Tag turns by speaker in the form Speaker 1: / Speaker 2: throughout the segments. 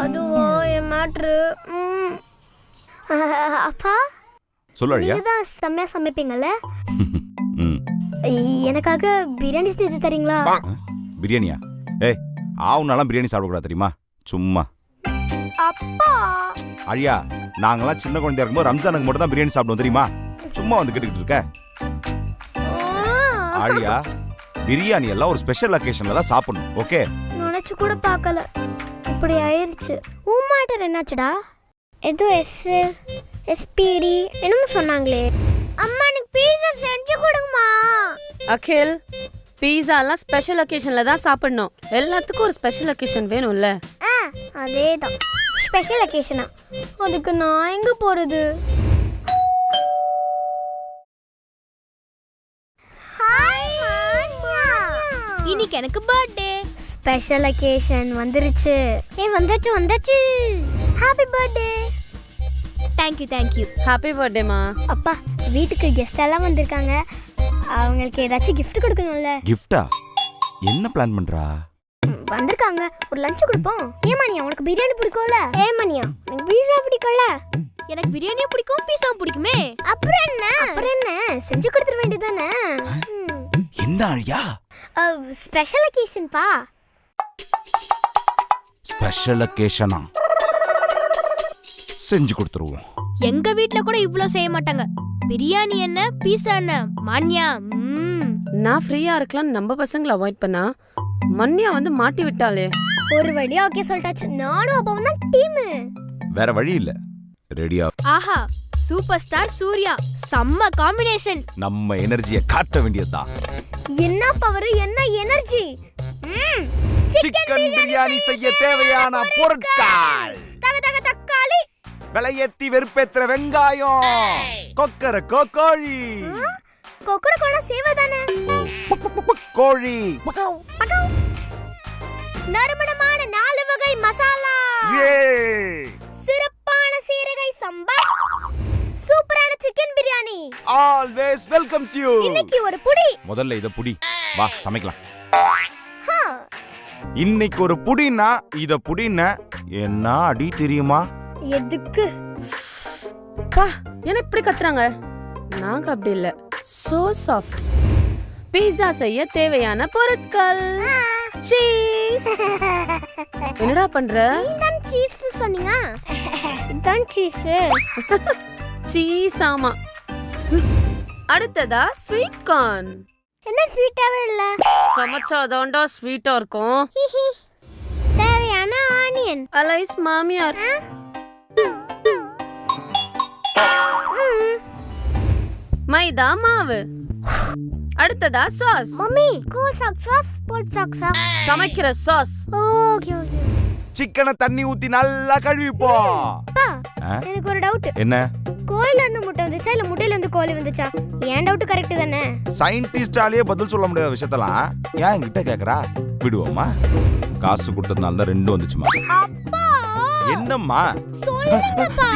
Speaker 1: அதுவோ என் மேட்ரு. அப்பா
Speaker 2: சொல்லு அழியா.
Speaker 1: நீங்க தான் செம்மையா சமைப்பீங்கல்ல. எனக்காக பிரியாணி செஞ்சு தரீங்களா?
Speaker 2: பிரியாணியா? ஏய் ஆவுனாலாம் பிரியாணி சாப்பிடக்கூடாது தெரியுமா? சும்மா.
Speaker 1: அப்பா
Speaker 2: அழியா, நாங்களாம் சின்ன குழந்தையா இருக்கும்போது ரம்ஜானுக்கு மட்டும் தான் பிரியாணி சாப்பிடுவோம் தெரியுமா? சும்மா வந்து கேட்டுக்கிட்டு இருக்க. அழியா, பிரியாணி எல்லாம் ஒரு ஸ்பெஷல் அக்கேஷன்ல தான் சாப்பிடணும். ஓகே?
Speaker 1: நினைச்சு கூட பார்க்கல, இப்படி ஆயிருச்சு. மேட்டர் என்னாச்சுடா? ஏதோ எஸ்பிடி என்னமோ சொன்னாங்களே. அம்மா எனக்கு பீஸா செஞ்சு கொடுங்கம்மா.
Speaker 3: அகில், பீஸாலாம் ஸ்பெஷல் அக்கேஷன்ல தான் சாப்பிடணும். எல்லாத்துக்கும் ஒரு ஸ்பெஷல் அக்கேஷன் வேணும்ல.
Speaker 1: அதேதான் ஸ்பெஷல் அக்கேஷனா? அதுக்கு நான் எங்க போறது? இன்னைக்கு எனக்கு பர்த்டே. ஸ்பெஷல் அக்கேஷன் வந்துருச்சு. வந்தாச்சு. Happy birthday. Thank you.
Speaker 3: Happy பர்த்டேமா.
Speaker 1: அப்பா, வீட்டுக்கு கெஸ்ட் எல்லாம் வந்திருக்காங்க. அவங்களுக்கு ஏதாச்சும் gift கொடுக்கணும்ல.
Speaker 2: கிஃப்டா? என்ன பிளான் பண்றா?
Speaker 1: வந்திருக்காங்க, ஒரு லஞ்ச் கொடுப்போம். ஏமானியா, உனக்கு பிரியாணி பிடிக்கும்ல? ஏமானியா, எனக்கு பீஸா பிடிக்கும்ல? எனக்கு பிரியாணியும் பிடிக்கும், பீஸாவும் பிடிக்குமே. அப்புறம் என்ன செஞ்சு கொடுத்துட வேண்டியதானே.
Speaker 2: என்ன அழியா?
Speaker 1: ஸ்பெஷல் அக்கேஷன் பா.
Speaker 2: ஸ்பெஷல் அக்கேஷனா? செஞ்சு கொடுத்துருவோம்.
Speaker 1: எங்க வீட்ல கூட இவ்ளோ செய்ய மாட்டாங்க. பிரியாணி என்ன, பீஸா என்ன, மான்யா.
Speaker 3: நான் ஃப்ரீயா இருக்கலாம் நம்ம பசங்களை அவாய்ட் பண்ணா மன்யா வந்து மாட்டி விட்டாளே.
Speaker 1: ஒரு வழியா ஓகே சொல்லிட்டாச்சு. நானும் அப்பாவும் தான் டீம்.
Speaker 2: வேற வழி இல்ல. ரெடியா?
Speaker 1: ஆஹா, சூப்பர் ஸ்டார் சூர்யா, செம்ம காம்பினேஷன்.
Speaker 2: நம்ம எனர்ஜியை காட்ட வேண்டியதுதான்.
Speaker 1: என்ன பவர், என்ன எனர்ஜி.
Speaker 2: சிக்கன் பிரியாணி செய்ய தேவையான பொருட்கள்:
Speaker 1: தக்காளி,
Speaker 2: விலையேத்தி வெறுப்பேத்துற வெங்காயம், கொக்கரக்கோ கோழி.
Speaker 1: கொக்கரக்கோனா சேவதானே?
Speaker 2: கோழி.
Speaker 1: நறுமணமான 4 வகை மசாலா, சிறப்பான சீரகை சம்பா, சூப்பரான chicken biryani.
Speaker 2: Always welcomes you.
Speaker 1: இன்னைக்கு ஒரு புடி.
Speaker 2: முதல்ல இத புடி. வா சமைக்கலாம். இன்னைக்கு ஒரு புடினா இத புடினா என்ன அடி தெரியுமா?
Speaker 1: எதுக்கு?
Speaker 3: பா, என்ன இப்படி கத்துறாங்க? நாங்க அப்படி இல்ல. So soft. பீஸா செய்ய தேவையான பொருட்கள்: சீஸ். என்னடா பண்ற?
Speaker 1: நீதான் சீஸ் சொன்னீங்க. இதான் சீஸ்.
Speaker 3: சீஸ் ஆமா. அடுத்ததா ஸ்வீட் கார்ன்.
Speaker 1: என்ன ஸ்வீட்டாவே இல்ல?
Speaker 3: சமைச்சாதான்டா ஸ்வீட்டா இருக்கும்.
Speaker 1: தேவையான ஆனியன்.
Speaker 3: அலைஸ் மாமியார். மைதா மாவு. அடுத்ததா சாஸ்.
Speaker 1: மம்மி, கூல் சாஸ், போட் சாஸ்.
Speaker 3: சமைக்கிற சாஸ்.
Speaker 1: ஓகே.
Speaker 2: சிக்கனை தண்ணி ஊத்தி நல்லா கழுவிப்போம்.
Speaker 1: எனக்கு ஒரு டவுட்.
Speaker 2: என்ன?
Speaker 1: கோயில இருந்து முட்டை வந்துச்சா இல்ல முட்டையில இருந்து கோழி வந்துச்சா? ஏன் டவுட் கரெக்ட் தானே?
Speaker 2: சயின்டிஸ்டாலேயே பதில் சொல்ல முடியாத விஷயத்தெல்லாம் ஏன் என்கிட்ட கேக்குறா? விடுவோமா? காசு கொடுத்ததுனால தான் 2 வந்துச்சுமா.
Speaker 1: அப்பா
Speaker 2: என்னம்மா?
Speaker 1: சொல்லுங்கப்பா.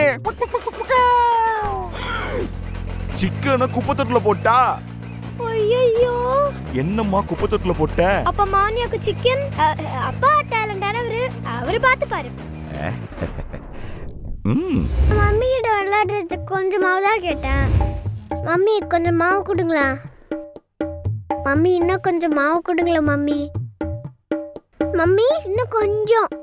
Speaker 2: சிக்கனை குப்பைத்தொட்டில போட்டா?
Speaker 1: ஐயோ,
Speaker 2: என்னம்மா குப்பைத்தொட்டில போட்ட?
Speaker 1: அப்ப மானியாக்கு சிக்கன். அப்பா டேலண்டானவரு, அவரு பாத்து பாரு. மம்மி கிட்ட விளையாடுறதுக்கு கொஞ்சம் மாவு தான் கேட்டேன். மம்மி கொஞ்சம் மாவு கொடுங்களா? மம்மி இன்னும் கொஞ்சம் மாவு கொடுங்களா? மம்மி இன்னும் கொஞ்சம்.